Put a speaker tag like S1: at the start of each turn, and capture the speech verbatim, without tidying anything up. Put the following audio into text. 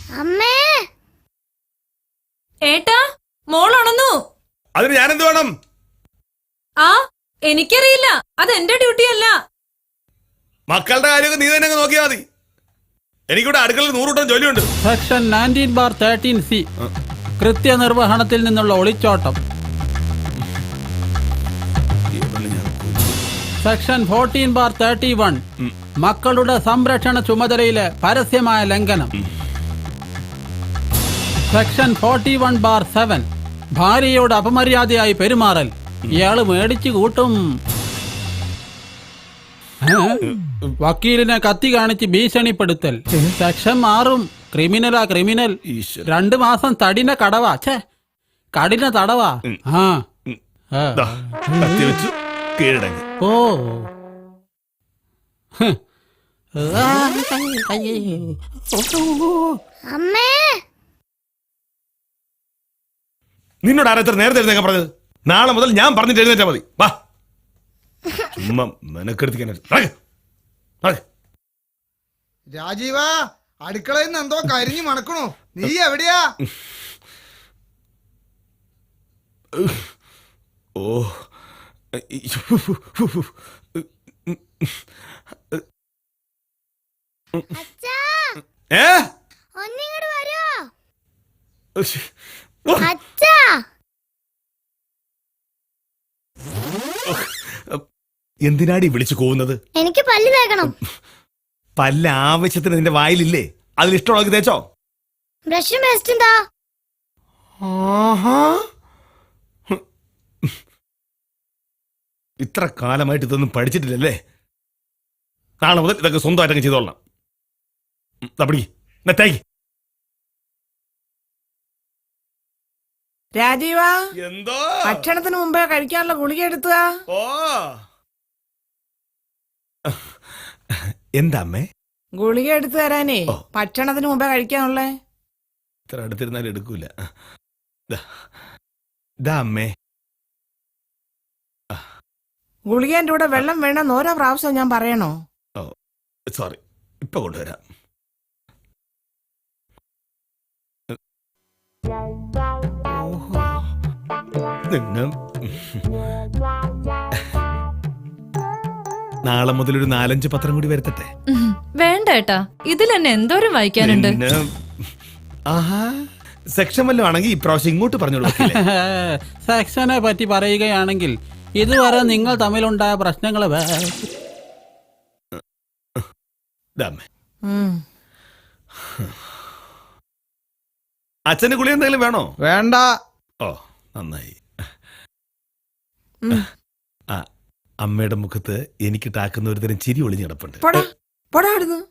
S1: അമ്മേ
S2: ഏട്ടാ മോളുണന്നു.
S3: അതിന് ഞാനെന്ത് വേണം?
S2: ആ എനിക്കറിയില്ല, അത് എന്റെ ഡ്യൂട്ടി അല്ല.
S3: മക്കളുടെ കാര്യമൊക്കെ നീ തന്നെ നോക്കിയാൽ മതി. എനിക്കിവിടെ അടുക്കളയിൽ നൂറുകൂട്ടം ജോലിയുണ്ട്.
S4: Section nineteen bar thirteen C കൃത്യനിർവഹണത്തിൽ നിന്നുള്ള ഒളിച്ചോട്ടം. Section fourteen bar thirty one മക്കളുടെ സംരക്ഷണ ചുമതലയിലെ പരസ്യമായ ലംഘനം. Section forty one bar seven ഭാര്യയോട് അപമര്യാദയായി പെരുമാറൽ. ഇയാള് മേടിച്ചു കൂട്ടും. വക്കീലിനെ കത്തി കാണിച്ച് ഭീഷണിപ്പെടുത്തൽ. സെക്ഷൻ മാറും. ക്രിമിനലാ ക്രിമിനൽ. രണ്ടു മാസം തടിന കടവാ. ഛേ കഠിന തടവാ. ആ
S3: കീഴടങ്ങി.
S4: ഓ
S1: അമ്മേ
S3: നിന്നോട് ആരാ ഇത്ര നേരത്തെ എഴുന്നേക്കാൻ പറഞ്ഞത്? നാളെ മുതൽ ഞാൻ പറഞ്ഞിട്ട് എഴുന്നേറ്റാ മതി. വാ ചുമ്മാ മെനക്കെടുത്തിക്കാൻ.
S5: രാജീവ, അടുക്കളയിൽ നിന്ന് എന്തോ കരിഞ്ഞു മണക്കണോ? നീ എവിടെയാ?
S3: ഓ
S1: അച്ഛാ
S3: ഏ
S1: ഒന്നിങ്ങോട്ട് വരോ അച്ഛാ?
S3: എന്തിനാടി വിളിച്ചു പോകുന്നത്?
S1: എനിക്ക് പല്ല് തേക്കണം.
S3: പല്ല ആവശ്യത്തിന് നിന്റെ വായിലില്ലേ? അതിലിഷ്ടമുള്ളത് തേച്ചോ.
S1: ബ്രഷും പേസ്റ്റും താ.
S3: ഇത്ര കാലമായിട്ട് ഇതൊന്നും പഠിച്ചിട്ടില്ലല്ലേ? നാളെ മുതൽ ഇതൊക്കെ സ്വന്തമായിട്ടൊക്കെ ചെയ്തോളണം. തേക്ക്.
S6: രാജീവ,
S3: എന്തോ
S6: ഭക്ഷണത്തിന് മുമ്പേ കഴിക്കാനുള്ള ഗുളിക എടുത്തുക.
S3: ഓ എന്താ അമ്മേ?
S6: ഗുളിക എടുത്തു തരാനേ, ഭക്ഷണത്തിന് മുമ്പേ കഴിക്കാനുള്ളേ.
S3: ഇത്ര അടുത്തിരുന്നാലും എടുക്കൂല. അമ്മേ
S6: ഗുളികേന്റെ കൂടെ വെള്ളം വേണമെന്ന് ഓരോ പ്രാവശ്യം ഞാൻ പറയണോ?
S3: ഓ സോറി, ഇപ്പൊ കൊണ്ടുവരാം. നാളെ മുതൽ ഒരു നാലഞ്ച് പത്രം കൂടി വരുത്തട്ടെ.
S2: വേണ്ട ഏട്ടാ, ഇതിൽ എന്നെ എന്തോരം വായിക്കാനുണ്ട്.
S3: സെക്ഷൻ വല്ലതും ആണെങ്കിൽ ഇപ്രാവശ്യം ഇങ്ങോട്ട് പറഞ്ഞോളൂ.
S4: സെക്ഷനെ പറ്റി പറയുകയാണെങ്കിൽ ഇതുവരെ നിങ്ങൾ തമ്മിലുണ്ടായ പ്രശ്നങ്ങള്
S3: അച്ഛന് കുളി എന്തെങ്കിലും വേണോ?
S5: വേണ്ട.
S3: ഓ നന്നായി. ആ അമ്മയുടെ മുഖത്ത് എനിക്ക് ടാക്കുന്ന ഒരു തരം ചിരി ഒളിഞ്ഞ് കിടപ്പുണ്ട്.
S6: പോടാ പോടാ അവിടുന്ന്.